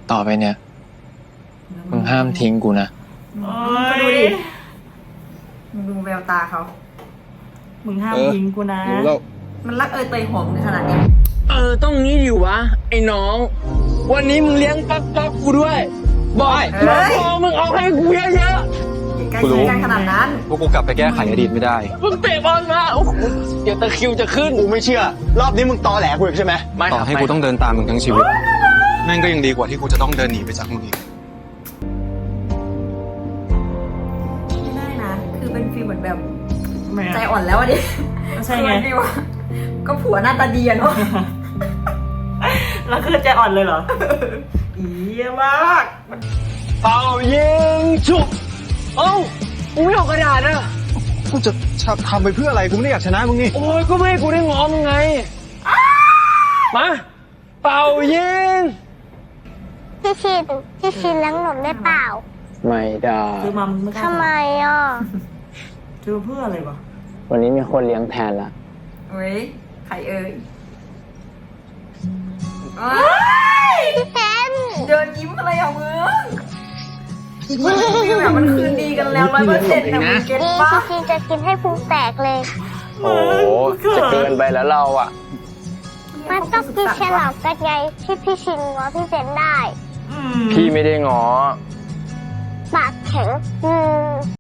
ต่อไปเนี่ยมึงห้ามทิ้งกูนะก็ดูดิมึงดูแววตาเขามึงห้ามทิ้งกูนะรู้แล้วมันรักเตยหอมขนาดนี้ต้องนี้ดิวะไอ้น้อง วันนี้มึงเลี้ยงปั๊กกูด้วยบอยเฮ้ยพอมึงเอาให้กูเยอะใกล้ชิดกันขนาดนั้นพวกกูกลับไปแก้ไขอดีตไม่ได้ๆมึงเตะบอลมาโอ้โหเดี๋ยวตะคริวจะขึ้นกูไม่เชื่อ รอบนี้มึงตอแหลกูอีกใช่ไหมไม่ต่อให้กูต้องเดินตามมึงทั้งชีวิต แม่งก็ยังดีกว่าที่กูจะต้องเดินหนีไปจากมึงอีกไม่ได้นะ คือเป็นฟีลเหมือนแบบไม่ใจอะอ่อนแล้วอะดิใช่ไงคือเป็นฟีลว่าก็ผัวหน้าตาดีอะเนาะแล้วคือใจอ่อนเลยเหรอ อีเยี่ยมากเป่ายิงฉุบเอ้ากูไม่เอากระดาษอะกูจะทำไปเพื่ออะไร กูไม่ได้อยากชนะมึงนี่โอ้ยก็ไม่ให้กูได้ง้อมึงไงมาเป่ายิงพี่ชินเลี้ยงหนมได้เปล่าไม่ได้ซื้อมามึงไม่กล้าทำไมอ่ะซื้อเพื่ออะไรวะวันนี้มีคนเลี้ยงแทนละเฮ้ยใครเอ่ยพี่เซนเดินยิ้มอะไรอ่ะมึงฟีลแบบมันคืนดีกันแล้ว100%นะมึงเก็ตนี่ปะพี่ชินจะกินให้พุงแตกเลยโอ้จะเกินไปแล้วเราอ่ะมันต้องกินแครอทกันไงที่พี่ชินง้อพี่เซนได้พี่ไม่ได้ง้อปากแข็ง